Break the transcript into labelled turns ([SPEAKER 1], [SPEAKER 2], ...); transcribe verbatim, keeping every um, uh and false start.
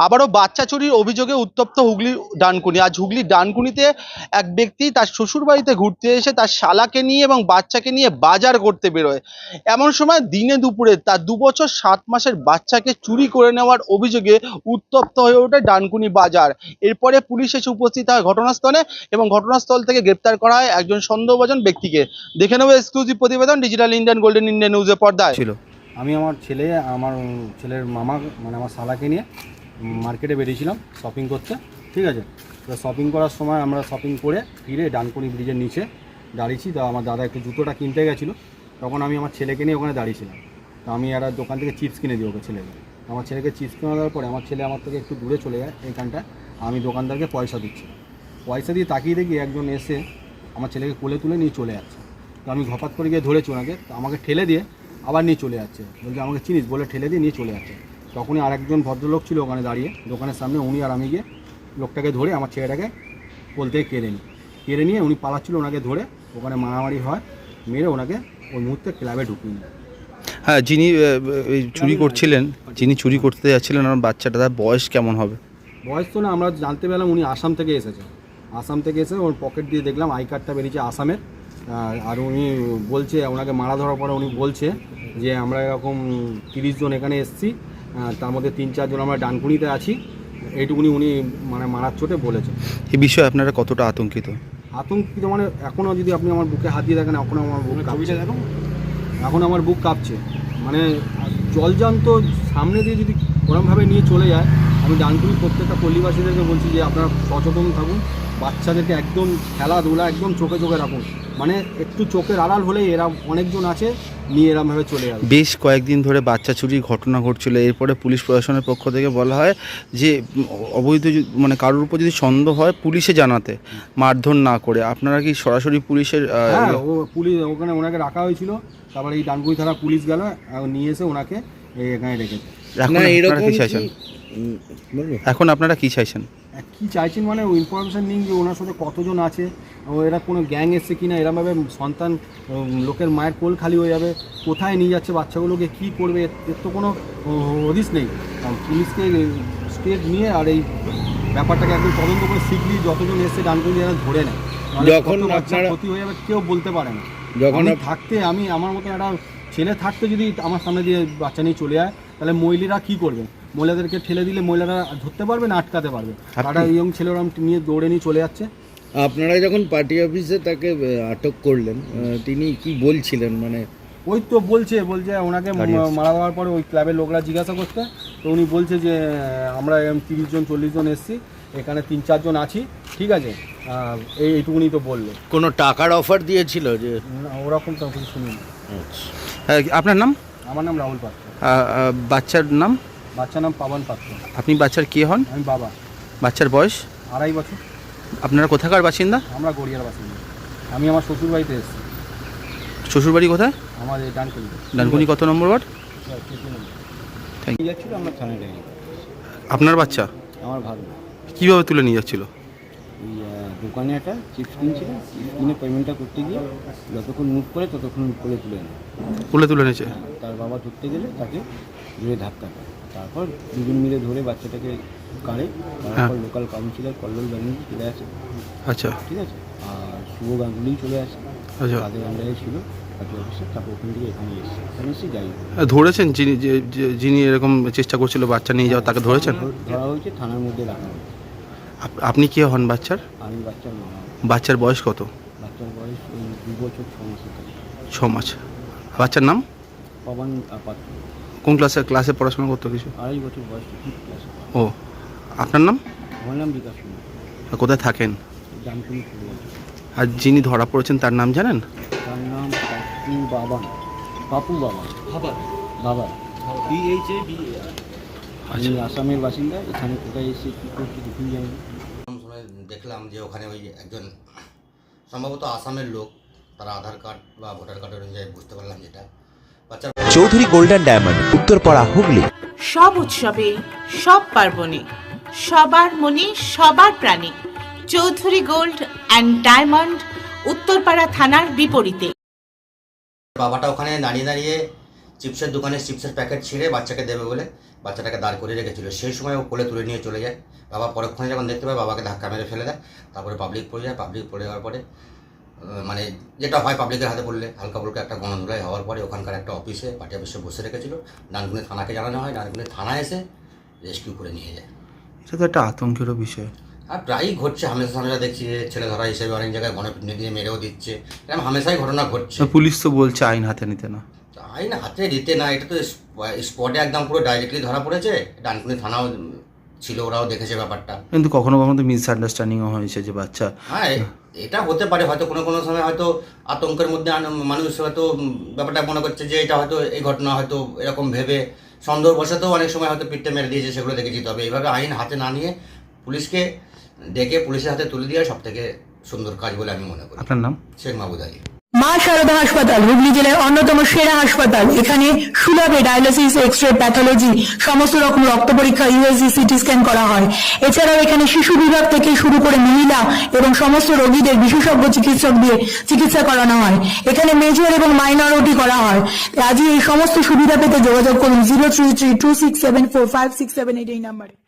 [SPEAKER 1] আবারও বাচ্চা চুরির অভিযোগে উত্তপ্ত হুগলির ডানকুনি। আজ হুগলির ডানকুনিতে এক ব্যক্তি তার শ্বশুর বাড়িতে ঘুরতে এসে তার শালাকে নিয়ে এবং বাচ্চাকে নিয়ে বাজার করতে বেরোয়। এমন সময় দিনে দুপুরে তার দু বছর সাত মাসের বাচ্চাকে চুরি করে নেওয়ার অভিযোগে উত্তপ্ত হয়ে ওঠে ডানকুনি বাজার। এরপরে পুলিশ এসে উপস্থিত হয় ঘটনাস্থলে এবং ঘটনাস্থল থেকে গ্রেপ্তার করা হয় একজন সন্দেহভাজন ব্যক্তিকে। দেখে নেব এক্সক্লুসিভ প্রতিবেদন ডিজিটাল ইন্ডিয়ান গোল্ডেন ইন্ডিয়া নিউজের পর্দায়।
[SPEAKER 2] ছিল আমি আমার ছেলে আমার ছেলের মামা মানে আমার শালাকে নিয়ে মার্কেটে বেরিয়েছিলাম শপিং করতে, ঠিক আছে। তো শপিং করার সময় আমরা শপিং করে ফিরে ডানকুনি ব্রিজের নিচে দাঁড়িয়েছি। তো আমার দাদা একটু জুতোটা কিনতে গেছিলো, তখন আমি আমার ছেলেকে নিয়ে ওখানে দাঁড়িয়েছিলাম। তো আমি একটা দোকান থেকে চিপস কিনে দিই ওকে ছেলেকে। আমার ছেলেকে চিপস কিনে দেওয়ার পরে আমার ছেলে আমার থেকে একটু দূরে চলে যায় এইখানটা। আমি দোকানদারকে পয়সা দিচ্ছি, পয়সা দিয়ে তাকিয়ে দেখি একজন এসে আমার ছেলেকে কোলে তুলে নিয়ে চলে যাচ্ছে। তো আমি ঘপাত করে গিয়ে ধরেছি ওনাকে, তো আমাকে ঠেলে দিয়ে আবার নিয়ে চলে যাচ্ছে, বলছে আমাকে চিনিস বলে ঠেলে দিয়ে নিয়ে চলে যাচ্ছে। তখনই আরেকজন ভদ্রলোক ছিল ওখানে দাঁড়িয়ে দোকানের সামনে, উনি আর আমি গিয়ে লোকটাকে ধরে আমার ছেলেটাকে কোল থেকে কেড়ে নিই কেড়ে নিয়ে উনি পালাচ্ছিল, ওনাকে ধরে ওখানে মারামারি হয়, মেরে ওনাকে ওই মুহূর্তে ক্লাবে ঢুকিয়ে নিই।
[SPEAKER 3] হ্যাঁ, যিনি চুরি করছিলেন যিনি চুরি করতে যাচ্ছিলেন আমার বাচ্চাটা, তার বয়স কেমন হবে?
[SPEAKER 2] বয়স তো না, আমরা জানতে পেলাম উনি আসাম থেকে এসেছে। আসাম থেকে এসে ওর পকেট দিয়ে দেখলাম আই কার্ডটা বেরিয়েছে আসামের। আর উনি বলছে, ওনাকে মারা ধরার পরে উনি বলছে যে আমরা এরকম তিরিশ জন এখানে এসেছি, তার মধ্যে তিন চারজন আমরা ডানকুনিতে আছি, এইটুকুনি উনি মানে মারার চোটে বলেছে।
[SPEAKER 3] এই বিষয়ে আপনারা কতটা আতঙ্কিত?
[SPEAKER 2] আতঙ্কিত মানে এখনও যদি আপনি আমার বুকে হাত দিয়ে দেখেন, এখনও আমার বুক কাঁপছে, এখন আমার বুক কাঁপছে। মানে জলজান্ত সামনে দিয়ে যদি ওরমভাবে নিয়ে চলে যায়, আমি ডানকুনি প্রত্যেকটা পল্লীবাসীদেরকে বলছি যে আপনারা সচেতন থাকুন, বাচ্চাদেরকে একদম খেলাধুলা একদম চোখে চোখে রাখুন। মানে একটু চোখের আড়াল হলেই এরা অনেকজন আছে নিয়ে এরমভাবে চলে যাবে।
[SPEAKER 3] বেশ কয়েকদিন ধরে বাচ্চা চুরির ঘটনা ঘটছিল, এরপরে পুলিশ প্রশাসনের পক্ষ থেকে বলা হয় যে অবৈধ মানে কারোর উপর যদি সন্দেহ হয় পুলিশে জানাতে, মারধর না করে। আপনারা কি সরাসরি পুলিশের?
[SPEAKER 2] হ্যাঁ, ও পুলিশ ওখানে ওনাকে রাখা হয়েছিল, তারপরে এই ডানকুনি থানা পুলিশ গেল নিয়ে এসে ওনাকে এখানে রেখেছে।
[SPEAKER 3] এখন আপনারা কি চাইছেন? এখন আপনারা কি চাইছেন?
[SPEAKER 2] কি চাইছেন মানে ওই ইনফরমেশান নিন যে ওনার সাথে কতজন আছে, ও এরা কোনো গ্যাং এসছে কিনা, এরমভাবে সন্তান লোকের মায়ের কোল খালি হয়ে যাবে, কোথায় নিয়ে যাচ্ছে বাচ্চাগুলোকে, কি করবে, এর তো কোনো হদিস নেই। পুলিশকে স্টেট নিয়ে আর এই ব্যাপারটাকে একদম তদন্ত করে শিগগিরই যতজন এসছে ডানকুনি এরা ধরে নেয়। যখন বাচ্চা ক্ষতি হয়ে যাবে কেউ বলতে পারে না। যখন থাকতে আমি আমার মতো একটা ছেলে থাকতে যদি আমার সামনে দিয়ে বাচ্চা নিয়ে চলে যায়, তাহলে মহিলারা কী করবে? মহিলাদেরকে ঠেলে দিলে মহিলারা ধরতে পারবে না, আটকাতে পারবে? একটা ইয়ং ছেলেরা নিয়ে দৌড়ে নিয়ে চলে যাচ্ছে।
[SPEAKER 4] আপনারা যখন পার্টি অফিসে তাকে আটক করলেন, তিনি কি বলছিলেন? মানে
[SPEAKER 2] ওই তো বলছে বলছে ওনাকে মারা দেওয়ার পরে ওই ক্লাবের লোকরা জিজ্ঞাসা করতে, তো উনি বলছে যে আমরা তিরিশ জন চল্লিশ জন এসছি, এখানে তিন চারজন আছি, ঠিক আছে, এই এইটুকুনি তো বললো।
[SPEAKER 4] কোনো টাকার অফার দিয়েছিল? যে
[SPEAKER 2] ওরকম তো কিছু শুনিনি।
[SPEAKER 3] আপনার নাম?
[SPEAKER 2] আমার নাম রাহুল পাত্র।
[SPEAKER 3] বাচ্চার নাম?
[SPEAKER 2] বাচ্চার নাম পাবন পাত্র।
[SPEAKER 3] আপনি বাচ্চার কে হন?
[SPEAKER 2] আমি বাবা।
[SPEAKER 3] বাচ্চার বয়স?
[SPEAKER 2] আড়াই বছর।
[SPEAKER 3] আপনারা কোথাকার বাসিন্দা?
[SPEAKER 2] আমরা গড়িয়ার বাসিন্দা। আমি আমার শ্বশুর বাড়িতে এসেছি।
[SPEAKER 3] শ্বশুর বাড়ি কোথায়?
[SPEAKER 2] আমাদের ডানকুনি।
[SPEAKER 3] ডানকুনি কত নম্বর ওয়ার্ড? Thank you.
[SPEAKER 2] যাচ্ছিল আমরা থানায় গেছি।
[SPEAKER 3] আপনার বাচ্চা?
[SPEAKER 2] আমার ভালো।
[SPEAKER 3] কীভাবে তুলে নিয়ে যাচ্ছিল?
[SPEAKER 2] ওই দোকানে একটা চিপস কিনছিল, চিপস কিনে পেমেন্টটা করতে গিয়ে যতক্ষণ মুভ করে ততক্ষণ করে তুলে নেয়।
[SPEAKER 3] তুলে তুলে নিয়েছে?
[SPEAKER 2] তার বাবা ধরতে গেলে তাকে ধরে ধাক্কা দেয়, তারপর দুজন মিলে ধরে বাচ্চাটাকে কাড়ে। তারপর লোকাল কাউন্সিলর কল্লোল ব্যানার্জি চলে আসে।
[SPEAKER 3] আচ্ছা,
[SPEAKER 2] ঠিক আছে। আর শুভ গাঙ্গুলি চলে আসে।
[SPEAKER 3] আচ্ছা,
[SPEAKER 2] তাদের আন্ডারে ছিল পার্টি অফিসে। তারপর ওখান থেকে এখানে এসেছে, এখানে এসে যাই
[SPEAKER 3] ধরেছেন যিনি যিনি এরকম চেষ্টা করছিল বাচ্চা নিয়ে যাওয়া, তাকে ধরেছেন?
[SPEAKER 2] ধরা হয়েছে, থানার মধ্যে রাখা হয়েছে।
[SPEAKER 3] আপনি কে হন বাচ্চার?
[SPEAKER 2] আমি বাচ্চার মামা।
[SPEAKER 3] বাচ্চার বয়স কত?
[SPEAKER 2] বাচ্চার বয়স ওই দু বছর ছ মাসের কাছে।
[SPEAKER 3] ছ মাস। বাচ্চার নাম?
[SPEAKER 2] পবন পাত্র।
[SPEAKER 3] কোন ক্লাসে ক্লাসে পড়াশোনা করতো? কিছু
[SPEAKER 2] আড়াই বছর বয়স, ফিফথ ক্লাসে।
[SPEAKER 3] ও, আপনার নাম?
[SPEAKER 2] আমার নাম বিকাশ কুমার।
[SPEAKER 3] কোথায় থাকেন?
[SPEAKER 2] জানকুনি।
[SPEAKER 3] আর যিনি ধরা পড়েছেন তার নাম জানেন?
[SPEAKER 2] তার নাম পাপু বাবান। পাপু বাবান। বাবা বাবা B H A B A R. আমি আসামের বাসিন্দা, এখানে কোথায় এসে কী করছি দেখুন যাই।
[SPEAKER 5] দেখলাম যে ওখানে ওই একজন সম্ভবত আসামের লোক, তারা আধার কার্ড বা ভোটার কার্ড অনুযায়ী বুঝতে পারলাম যেটা বাচ্চা।
[SPEAKER 6] Chowdhury golden diamond, Uttarpara, Hooghly.
[SPEAKER 7] সব উৎসবে, সব পার্বণে সবার মনে সবার প্রাণে Chowdhury gold and diamond, Uttarpara থানার বিপরীতে।
[SPEAKER 5] বাবাটা ওখানে দাঁড়িয়ে দাঁড়িয়ে চিপসের দোকানে চিপসের প্যাকেট ছিঁড়ে বাচ্চাকে দেবে বলে বাচ্চাটাকে দাঁড় করিয়ে রেখেছিল। সেই সময় ও কোলে তুলে নিয়ে চলে যায়। বাবা পরক্ষণে যখন দেখতে পায় বাবাকে ধাক্কা মেরে ফেলে দেয়। তারপরে পাবলিক পড়ে যায়। পাবলিক পড়ে যাওয়ার পরে আহ, মানে যেটা হয় পাবলিকের হাতে পড়লে হালকা ফুলকা একটা গণধুলাই হওয়ার পরে ওখানকার একটা অফিসে পার্টি অফিসে বসে রেখেছিল। ডানকুনি থানাকে জানানো হয়। ডানকুনি থানা এসে রেস্কিউ করে নিয়ে যায়।
[SPEAKER 3] এটা তো একটা আতঙ্কেরও বিষয়।
[SPEAKER 5] আর প্রায়ই ঘটছে, হামেশা হামেশা দেখছি যে ছেলে ধরা হিসেবে অনেক জায়গায় গণপিটুনি দিয়ে মেরেও দিচ্ছে। এরকম হামেশাই ঘটনা ঘটছে।
[SPEAKER 3] পুলিশ তো বলছে আইন হাতে নিতে না।
[SPEAKER 5] আইন হাতে দিতে না, এটা তো স্পটে একদম পুরো ডাইরেক্টলি ধরা পড়েছে। ডানকুনি থানাও ছিল, ওরাও দেখেছে ব্যাপারটা।
[SPEAKER 3] কিন্তু কখনো কখনো তো মিসআন্ডারস্ট্যান্ডিংও হয়েছে যে বাচ্চা।
[SPEAKER 5] হ্যাঁ, এ- এটা হতে পারে হয়তো কোনো কোনো সময় হয়তো আতঙ্কের মধ্যে আন- মানুষ হয়তো ব্যাপারটা মনে করছে যে এটা হয়তো এই ঘটনা হয়তো এরকম ভেবে সন্দেহবশত অনেক সময় হয়তো পিঠে মেরে দিয়েছে, সেগুলো দেখেছি। তবে এইভাবে আইন হাতে না নিয়ে পুলিশকে ডেকে পুলিশের হাতে তুলে দেওয়া সব থেকে সুন্দর কাজ বলে আমি মনে করি।
[SPEAKER 3] আপনার নাম?
[SPEAKER 5] শেখ মাহবুব আলী।
[SPEAKER 8] মা শারদা হাসপাতাল হুগলি জেলার অন্যতম সেরা হাসপাতাল। এখানে সুলভে ডায়ালিসিস, এক্স রে, প্যাথোলজি, সমস্ত রকম রক্ত পরীক্ষা, ইউএসজি, সিটি স্ক্যান করা হয়। এছাড়াও এখানে শিশু বিভাগ থেকে শুরু করে মহিলা এবং সমস্ত রোগীদের বিশেষজ্ঞ চিকিৎসক দিয়ে চিকিৎসা করানো হয়। এখানে মেজর এবং মাইনর ওটি করা হয়। আজই এই সমস্ত সুবিধা পেতে যোগাযোগ করুন zero three three two six seven four five six seven eight এই নাম্বারে।